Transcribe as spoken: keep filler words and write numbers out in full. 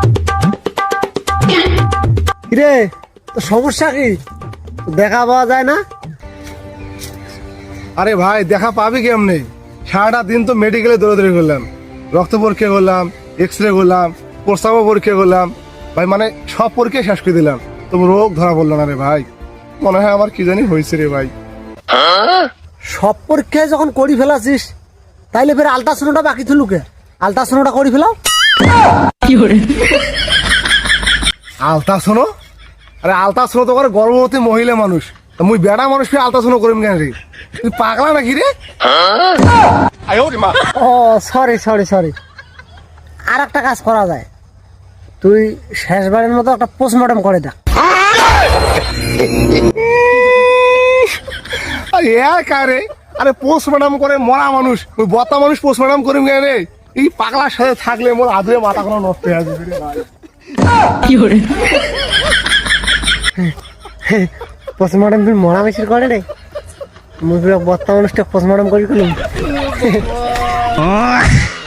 কিরে তো সমস্যা কি? দেখা পাওয়া যায় না? আরে ভাই দেখা পাবি কেমনে? সারাটা দিন তো মেডিকেলে দৌড়াদৌড়ি করলাম, রক্ত পরীক্ষা করলাম, এক্স রে করলাম, প্রস্রাব পরীক্ষা করলাম ভাই, মানে সব পরীক্ষা শেষ করে দিলাম, তবু রোগ ধরা পড়লো না রে ভাই। মনে হয় আমার কি জানি হয়েছে রে ভাই। সব পরীক্ষায় যখন করি ফেলাছিস তাইলে ফের আলট্রাসাউন্ডটা বাকি থুলুকে, আলট্রাসাউন্ডটা করি ফেলাও। আলতা শোনো? আরে আলতা শোনো তো করে গর্ভবতী মহিলা মানুষ, তা মুই বেড়া মানুষ ফিরে আলতা শোনো করিম কেন রে? তুই পাগলা নাকি রে? ও সরি সরি সরি, আর একটা কাজ করা যায়, তুই শেষবারের মতো একটা পোস্টমর্টম করে দেখ। আরে এর কারে? আরে পোস্টমর্টম করে মরা মানুষ, ওই বতা মানুষ পোস্টমর্টম করিম কেন রে? এই পাগলার সাথে থাকলে মোর আদরে মাথা কোনো নষ্ট হয়ে যাবে রে ভাই। পোস্টমর্টম তুই মরা মিছিল করে রে, মুই বর্তমান মানুষটা পোস্টমর্টম করি করলাম।